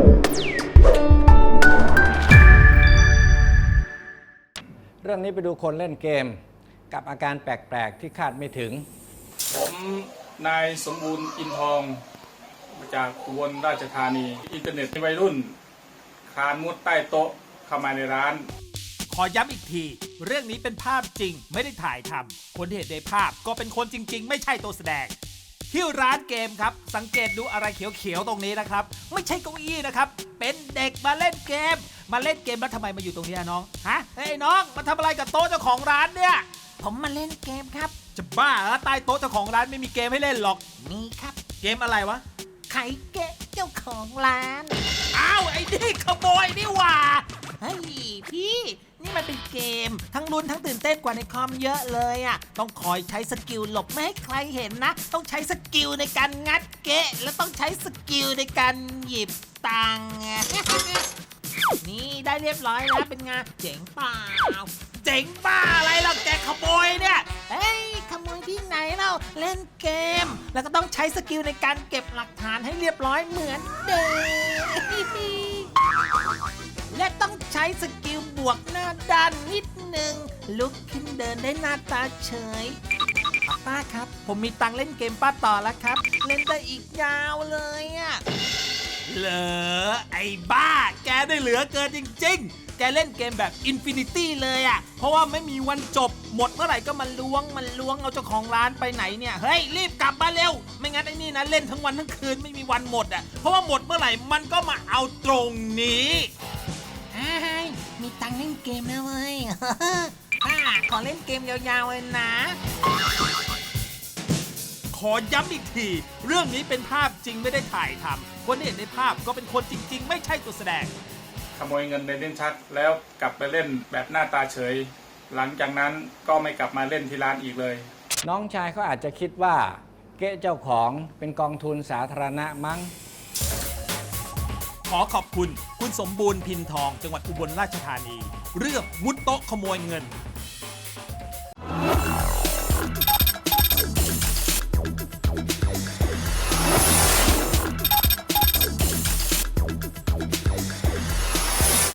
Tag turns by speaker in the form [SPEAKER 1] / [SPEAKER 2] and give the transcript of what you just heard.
[SPEAKER 1] เรื่องนี้ไปดูคนเล่นเกมกับอาการแปลกๆที่คาดไม่ถึง
[SPEAKER 2] ผมนายสมบูรณ์อินทองมาจากอุบลราชธานีอินเทอร์เน็ตวัยรุ่นคานมุดใต้โต๊ะเข้ามาในร้าน
[SPEAKER 3] ขอย้ำอีกที เรื่องนี้เป็นภาพจริงไม่ได้ถ่ายทำคนที่เห็นในภาพก็เป็นคนจริงๆ ไม่ใช่ตัวแสดงที่ร้านเกมครับ สังเกตดูอะไรเขียวๆตรงนี้นะครับ ไม่ใช่เก้าอี้นะครับ เป็นเด็กมาเล่นเกม มาเล่นเกมแล้วทำไมมาอยู่ตรงนี้น้องฮะเฮ้ยน้องมาทำอะไรกับโต๊ะเจ้าของร้านเนี่ยผมมาเล่นเกมครับจะบ้าเหรอใต้โต๊ะเจ้าของร้านไม่มีเกมให้เล่นหรอกมีครับเกมอะไรวะไข่เกะเจ้าของร้านอ้าวไอ้นี่ขโมยนี่หว่าเฮ้ยพี่นี่มันเป็นเกมทั้งลุ้นทั้งตื่นเต้นกว่าในคอมเยอะเลยอ่ะต้องคอยใช้สกิลหลบไม่ให้ใครเห็นนะต้องใช้สกิลในการงัดเกะแล้วต้องใช้สกิลในการหยิบตังค์ นี่ได้เรียบร้อยแล้วเป็นไงเจ๋งเปล่าเจ๋งบ้าอะไรหรอกแกขโมยเนี่ยเฮ้ยขโมยที่ไหนเราเล่นเกมแล้วก็ต้องใช้สกิลในการเก็บหลักฐานให้เรียบร้อยเหมือนเดิมและต้องใช้สกิลบวกหน้าด้านนิดนึงลุกขึ้นเดินได้หน้าตาเฉยป้าครับผมมีตังค์เล่นเกมป้าต่อแล้วครับเล่นได้อีกยาวเลยอะเหรอไอ้บ้าแกได้เหลือเกินจริงๆแกเล่นเกมแบบอินฟินิตี้เลยอ่ะเพราะว่าไม่มีวันจบหมดเมื่อไหร่ก็มันล้วงเอาเจ้าของร้านไปไหนเนี่ยเฮ้ยรีบกลับมาเร็วไม่งั้นไอ้นี่นะเล่นทั้งวันทั้งคืนไม่มีวันหมดอ่ะเพราะว่าหมดเมื่อไหร่มันก็มาเอาตรงนี้มีตังค์เล่นเกมนะเว้ย ขอเล่นเกมยาวๆเลยนะขอย้ำอีกที เรื่องนี้เป็นภาพจริงไม่ได้ถ่ายทำคนที่เห็นในภาพก็เป็นคนจริงๆ ไม่ใช่ตัวแสดง
[SPEAKER 2] ขโมยเงินในลิ้นชักแล้วกลับไปเล่นแบบหน้าตาเฉย หลังจากนั้นก็ไม่กลับมาเล่นที่ร้านอีกเลย
[SPEAKER 1] น้องชายเขาอาจจะคิดว่าเก๊ะเจ้าของเป็นกองทุนสาธารณะมั้ง
[SPEAKER 3] ขอขอบคุณ คุณสมบูรณ์พินทอง จังหวัดอุบลราชธานี เรื่องมุดโต๊ะขโมยเงิน